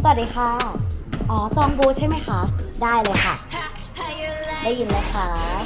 สวัสดีค่ะ อ๋อ จองบูธใช่ไหมคะ ได้เลยค่ะ ได้ยินไหมคะ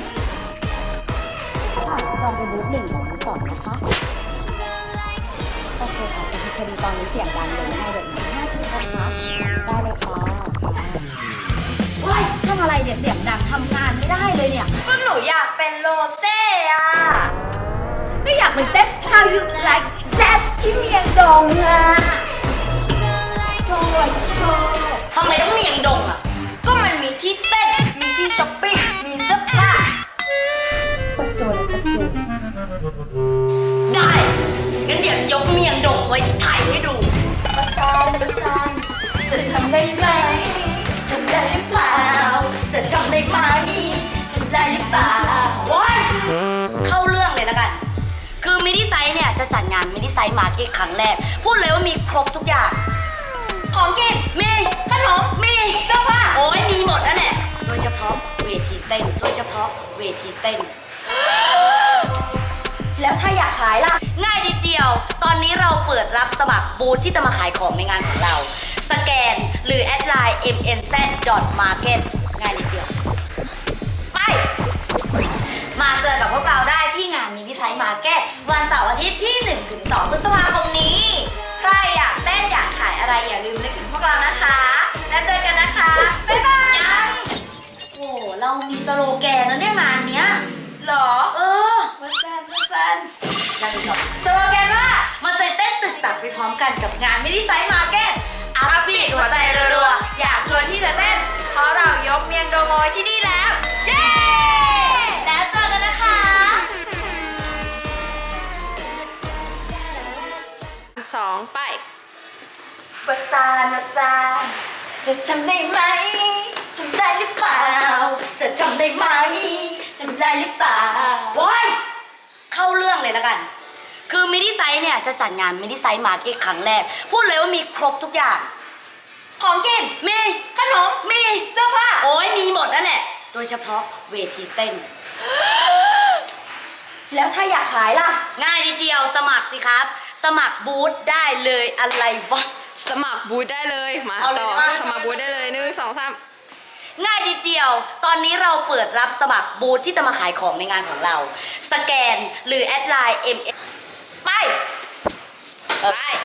ค่ะจองไปบูธ1 กับบูธ2นะคะ โอเคค่ะแต่พอดีตอนนี้เสียงดังเลยไม่เดี๋ยวอีก5 ทีนะคะได้เลยค่ะว้ายทำอะไรเนี่ยเสียงดังทำงานไม่ได้เลยเนี่ยก็หนูอยากเป็นโรเซ่อะก็อยากเป็นเต้น How you like that ที่เมียงดงอะโชว์โชว์ทำไมต้องเมียงดงอะก็มันมีที่เต้น มีที่ช้อปปิ้ง มีเสื้อผ้าตะโจนตะโจนได้ งั้นเดี๋ยวจะยกเมียงดงไว้ที่ไทยให้ดูประสานจะทำได้ไหมทำได้หรือเปล่า จะทำได้ไหมทำได้หรือเปล่าโอ้ยเข้าเรื่องเลยแล้วกัน คือมินิไซส์เนี่ยจะจัดงานมินิไซส์มาร์เก็ตครั้งแรก พูดเลยว่ามีครบทุกอย่าง ของกินมีขนมมีเสื้อผ้าโอ้ยมีหมดนั่นแหละโดยเฉพาะเวทีเต้น โดยเฉพาะเวทีเต้น แล้วถ้าอยากขายล่ะ ง่ายนิดเดียว ตอนนี้เราเปิดรับสมัครบูธที่จะมาขายของในงานของเรา สแกนหรือแอดไลน์ mnz.market ง่ายนิดเดียว ไป มาเจอกับพวกเราได้ที่งานมินิไซส์มาร์เก็ตวันเสาร์อาทิตย์ที่ 1-2 พฤษภาคมนี้ ใครอยากเต้นอยากขายอะไรอย่าลืมนึกถึงพวกเรานะคะ แล้วเจอกันนะคะ บ๊ายบายยังโอ้เรามีสโลแกนแล้วเนี่ยงานเนี้ยหรอ มาแฟนยังอีกเหรอสโลแกนว่ามาใจเต้นตึกตักไปพร้อมกันกับงานมินิไซส์มาร์เก็ตอัพบีทหัวใจรัวๆอยากชวนที่จะเต้นเพราะเรายกเมียงโดโมยที่นี่แล้ว เย้ แล้วเจอกันนะคะ 2 ไปประสานจะทำได้ไหมทำได้หรือเปล่า จะทำได้ไหมทำได้หรือเปล่าโว้ยเข้าเรื่องเลยแล้วกัน คือมินิไซส์เนี่ยจะจัดงานมินิไซส์มาร์เก็ตครั้งแรก พูดเลยว่ามีครบทุกอย่าง ของกินมีขนมมีเสื้อผ้าโอ้ยมีหมดนั่นแหละ โดยเฉพาะเวทีเต้น แล้วถ้าอยากขายล่ะ ง่ายนิดเดียวสมัครสิครับ สมัครบูธได้เลยอะไรวะสมัครบูธได้เลย มาเอาเลยต่อได้ปะสมัครบูธได้เลย1 2 3 ง่ายนิดเดียว ตอนนี้เราเปิดรับสมัครบูธที่จะมาขายของในงานของเรา สแกนหรือแอดไลน์ ไป